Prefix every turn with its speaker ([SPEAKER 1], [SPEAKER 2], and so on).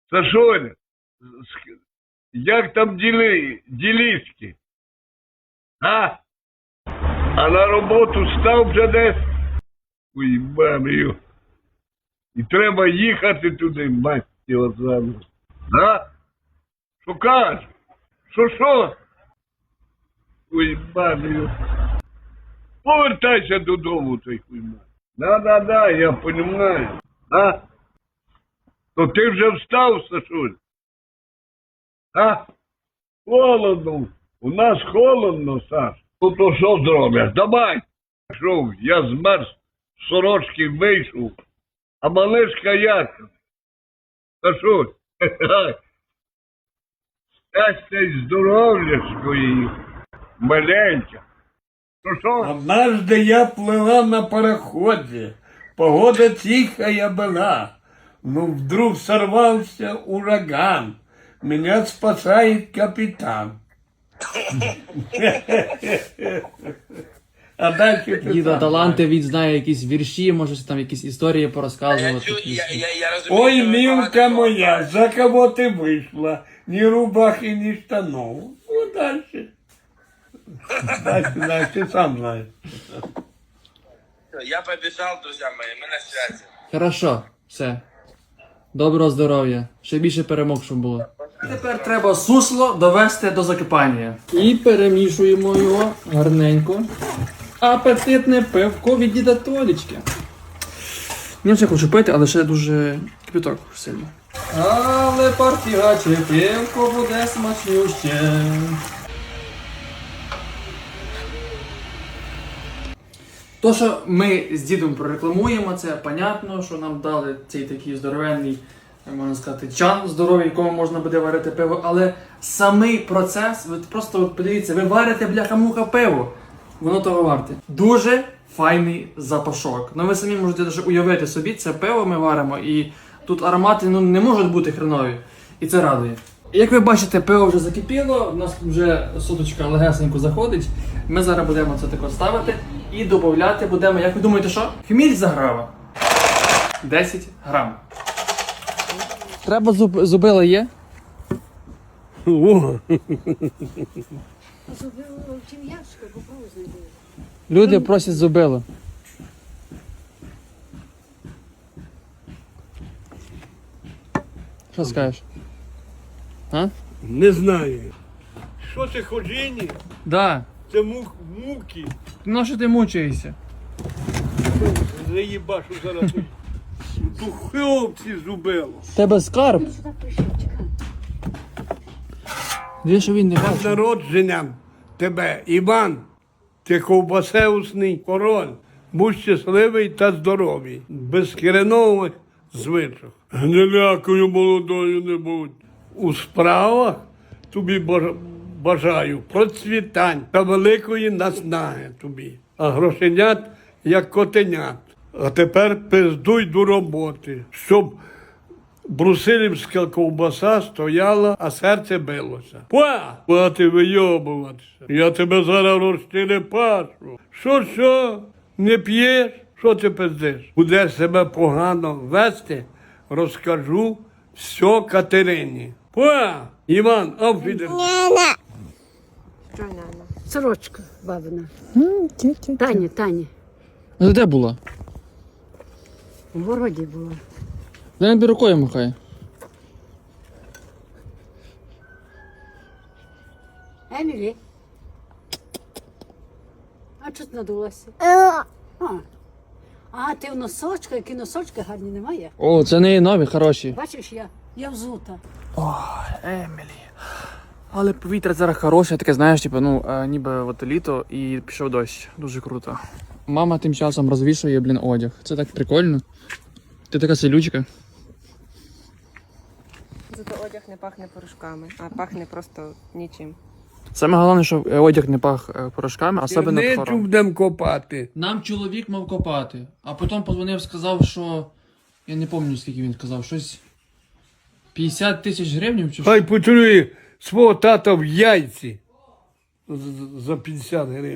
[SPEAKER 1] Сашоня, як там діліськи? А? А на роботу став вже десь? Ой, мамію. І треба їхати туди, мать його зану. А? Що кажеш? Що? Ой, мамію. Повертайся додому, той хуйма. Да, я понимаю. А? То ти вже встав, Сашуль? А? Холодно. У нас холодно, Саш. Ну то що зробиш? Давай. Пішов, я змерз, з сорочки вийшов. А малишка як? Сашуль. Щастя й здоров'я своїх. Маленька. Що?
[SPEAKER 2] Однажды я плыла на пароходе. Погода тихая была. Но вдруг сорвался ураган. Меня спасает капитан. А дальше ти
[SPEAKER 3] Діда
[SPEAKER 2] сам
[SPEAKER 3] таланти, він знає якісь вірші, може там якісь історії порозказувати.
[SPEAKER 4] Я розумію,
[SPEAKER 2] Ой,
[SPEAKER 4] що ви
[SPEAKER 2] милка
[SPEAKER 4] багато
[SPEAKER 2] моя, за кого ты вышла? Ни рубахи, ни штанов. Ну, дальше. Дальше, ты сам знаешь.
[SPEAKER 4] Я побіжав, друзі мої, ми на святі.
[SPEAKER 3] Хорошо, все. Доброго здоров'я. Ще більше перемог, щоб було. Тепер треба сусло довести до закипання. І перемішуємо його гарненько. Апетитне пивко від діда Толічки. Я вже хочу пити, але ще дуже кипяток сильно. Але партігаче пивко буде смачнюще. То, що ми з дідом прорекламуємо, це понятно, що нам дали цей такий здоровенний, можна сказати, чан здоровий, в якому можна буде варити пиво, але самий процес, ви просто от подивіться, ви варите бляха-муха пиво, воно того варте. Дуже файний запашок. Ну ви самі можете даже уявити собі, це пиво ми варимо, і тут аромати не можуть бути хренові, і це радує. Як ви бачите, пиво вже закипіло, у нас вже соточка легесенько заходить. Ми зараз будемо це тако ставити і додати будемо, як ви думаєте, що? Хміль заграва. 10 грам. Треба зубила є?
[SPEAKER 2] О,
[SPEAKER 3] Люди просять зубило. Що скажеш? А?
[SPEAKER 2] не знаю. Що це ходіння?
[SPEAKER 3] Да.
[SPEAKER 2] Це муки.
[SPEAKER 3] Ну що ти мучаєшся?
[SPEAKER 2] Заїбашу зараз. Духовці зубило.
[SPEAKER 3] Тебе скарб? Де що він не
[SPEAKER 2] З
[SPEAKER 3] бачить?
[SPEAKER 2] народженням тебе, Іван, ти ковбасеусний король. Будь щасливий та здоровий, без киренових звичок. Гнилякою молодою не будь. У справах тобі бажаю процвітань та великої наснаги тобі. А грошенят, як котенят. А тепер пиздуй до роботи, щоб брусилівська ковбаса стояла, а серце билося. Хвати вийобуватися. Я тебе зараз розчерепашу. Що? Не п'єш? Що ти пиздиш? Будеш себе погано вести, розкажу все Катерині. Іван, обфідер.
[SPEAKER 5] Що Нана? Сорочка бабина. Тані.
[SPEAKER 3] Ну де була?
[SPEAKER 5] В городі була.
[SPEAKER 3] Я не рукою махає.
[SPEAKER 5] Емілі. А чого ти надулася? А, ти в носочках, які носочки гарні немає?
[SPEAKER 3] О, це не нові, хороші.
[SPEAKER 5] Бачиш, я взута.
[SPEAKER 3] Емілі. Але повітря зараз хороше, таке, знаєш, типу, ніби от літо і пішов дощ. Дуже круто. Мама тим часом розвішує, одяг. Це так прикольно. Ти така селючка.
[SPEAKER 6] Зато одяг не пахне порошками, а пахне просто нічим.
[SPEAKER 3] Саме головне, щоб одяг не пах порошками, а себе не
[SPEAKER 2] Черничу
[SPEAKER 3] пхором.
[SPEAKER 2] будемо копати.
[SPEAKER 3] Нам чоловік мав копати, а потім подзвонив, сказав, що... Я не пам'ятаю, скільки він сказав, щось... 50 тисяч гривень чи що?
[SPEAKER 2] Хай поцілує свого тата в яйці за 50 гривень.